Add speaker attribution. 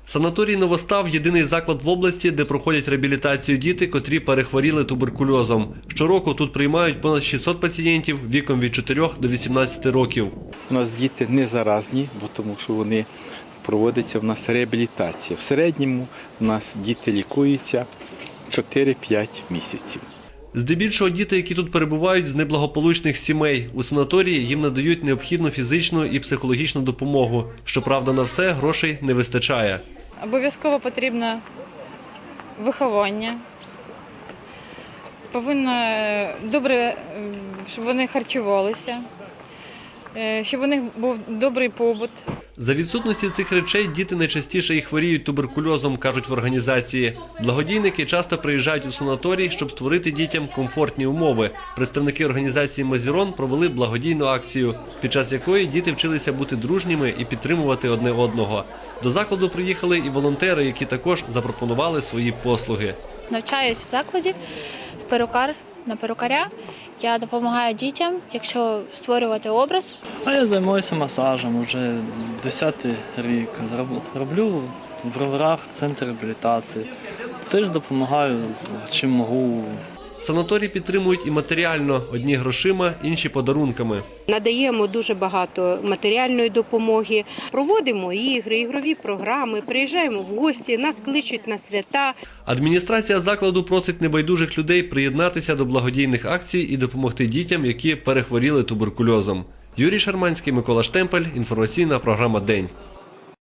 Speaker 1: Санаторій «Новостав» – єдиний заклад в області, де проходять реабілітацію діти, котрі перехворіли туберкульозом. Щороку тут приймають понад 600 пацієнтів віком від 4 до 18 років.
Speaker 2: У нас діти не заразні, тому що вони проводиться в нас реабілітація. В середньому у нас діти лікуються 4-5 місяців.
Speaker 1: Здебільшого діти, які тут перебувають з неблагополучних сімей. У санаторії їм надають необхідну фізичну і психологічну допомогу. Щоправда, на все грошей не вистачає.
Speaker 3: Обов'язково потрібно виховання. Повинно добре, щоб вони харчувалися, щоб у них був добрий побут.
Speaker 1: За відсутності цих речей діти найчастіше і хворіють туберкульозом, кажуть в організації. Благодійники часто приїжджають у санаторій, щоб створити дітям комфортні умови. Представники організації «Мазірон» провели благодійну акцію, під час якої діти вчилися бути дружніми і підтримувати одне одного. До закладу приїхали і волонтери, які також запропонували свої послуги.
Speaker 4: Навчаюсь в закладі на перукаря. Я допомагаю дітям, якщо створювати образ.
Speaker 5: А я займаюся масажем вже 10-й рік. Роблю в Роверах центр реабілітації. Теж допомагаю, чим можу.
Speaker 1: Санаторій підтримують і матеріально – одні грошима, інші подарунками.
Speaker 6: Надаємо дуже багато матеріальної допомоги, проводимо ігри, ігрові програми, приїжджаємо в гості, нас кличуть на свята.
Speaker 1: Адміністрація закладу просить небайдужих людей приєднатися до благодійних акцій і допомогти дітям, які перехворіли туберкульозом. Юрій Шарманський, Микола Штемпель, інформаційна програма «День».